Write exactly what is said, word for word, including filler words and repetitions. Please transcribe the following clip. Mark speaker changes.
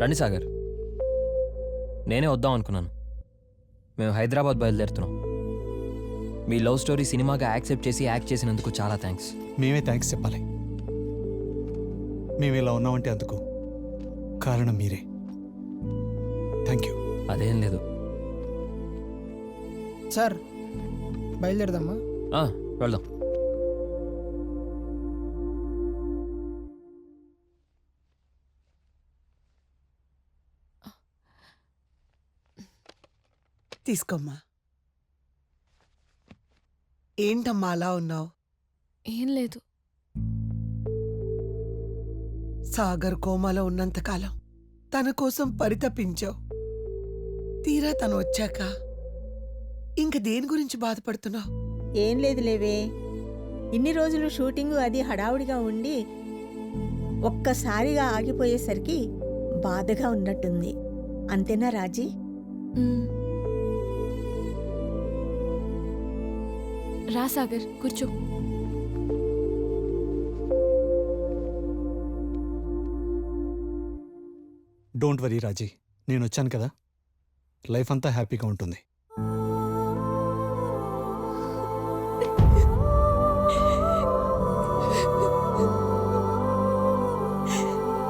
Speaker 1: రండి సాగర్. నేనే వద్దాం అనుకున్నాను. మేము హైదరాబాద్ బయలుదేరుతున్నాం. మీ లవ్ స్టోరీ సినిమాగా యాక్సెప్ట్ చేసి యాక్ట్ చేసినందుకు చాలా థ్యాంక్స్.
Speaker 2: మేమే థ్యాంక్స్ చెప్పాలి. మేము ఇలా ఉన్నామంటే అందుకు కారణం మీరే. Thank you.
Speaker 1: అదేం లేదు
Speaker 3: సార్, బయలుదేరదామా?
Speaker 1: ఆ, వెళ్దాం.
Speaker 4: తీసుకోమ్మా. ఏంటమ్మా అలా ఉన్నావు?
Speaker 5: ఏం లేదు.
Speaker 4: సాగర్ కోమాలో ఉన్నంతకాలం తన కోసం పరితపించావు. తీరా తను వచ్చాక ఇంక దేని గురించి బాధపడుతున్నావు?
Speaker 6: ఏం లేదు లేవే, ఇన్ని రోజులు షూటింగు అది హడావుడిగా ఉండి ఒక్కసారిగా ఆగిపోయేసరికి బాధగా ఉన్నట్టుంది. అంతేనా రాజీ?
Speaker 5: మ్మ్. రా సాగర్, కూర్చో.
Speaker 2: డోంట్ వరీ రాజీ, నేను వచ్చాను కదా, లైఫ్ అంతా హ్యాపీగా ఉంటుంది.